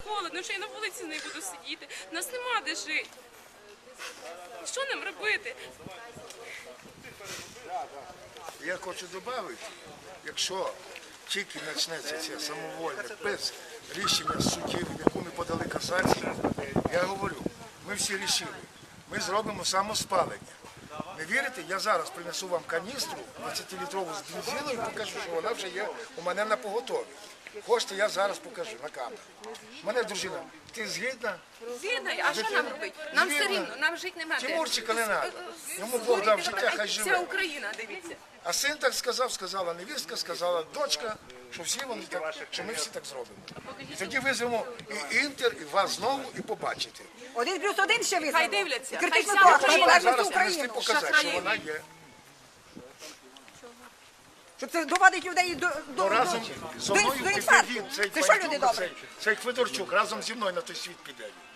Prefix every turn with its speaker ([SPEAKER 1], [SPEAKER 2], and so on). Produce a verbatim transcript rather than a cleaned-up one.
[SPEAKER 1] Холодно, що я на вулиці не буду сидіти. У нас нема де жити. Що нам робити?
[SPEAKER 2] Я хочу додати, якщо тільки почнеться це самовольне, без рішення судів, яку ми подали касацію, я говорю, ми всі рішили, ми зробимо самоспалення. Не вірите? Я зараз принесу вам каністру двадцятилітрову з бензином і покажу, що вона вже є у мене на поготові. Хочете, я зараз покажу на камеру. Мене дружина, ти згідна?
[SPEAKER 1] Згідно, а що нам робити? Нам все рівно, нам жити нема де.
[SPEAKER 2] Тимурчика не треба. Йому Бог дав життя, хай
[SPEAKER 1] Вся
[SPEAKER 2] живе.
[SPEAKER 1] Україна, дивіться.
[SPEAKER 2] А син так сказав, сказала невістка, сказала дочка, що всі вони так, що ми всі так зробимо. І тоді визвемо і Інтер, і вас знову, і побачите.
[SPEAKER 3] Один плюс один ще визнано.
[SPEAKER 1] Хай дивляться,
[SPEAKER 3] Критично
[SPEAKER 1] хай вся
[SPEAKER 3] того,
[SPEAKER 1] Україна
[SPEAKER 3] що
[SPEAKER 2] Зараз
[SPEAKER 3] повернути
[SPEAKER 2] принести
[SPEAKER 3] Україну.
[SPEAKER 2] показати, що вона є.
[SPEAKER 3] Щоб це доводить людей до, до,
[SPEAKER 2] То разом
[SPEAKER 3] до,
[SPEAKER 2] зі
[SPEAKER 3] до,
[SPEAKER 2] мною
[SPEAKER 3] до
[SPEAKER 2] піде
[SPEAKER 3] інфаркту.
[SPEAKER 2] він, цей
[SPEAKER 3] Це що люди
[SPEAKER 2] Байдук,
[SPEAKER 3] добрі?
[SPEAKER 2] цей, цей Федорчук, разом зі мною на той світ піде.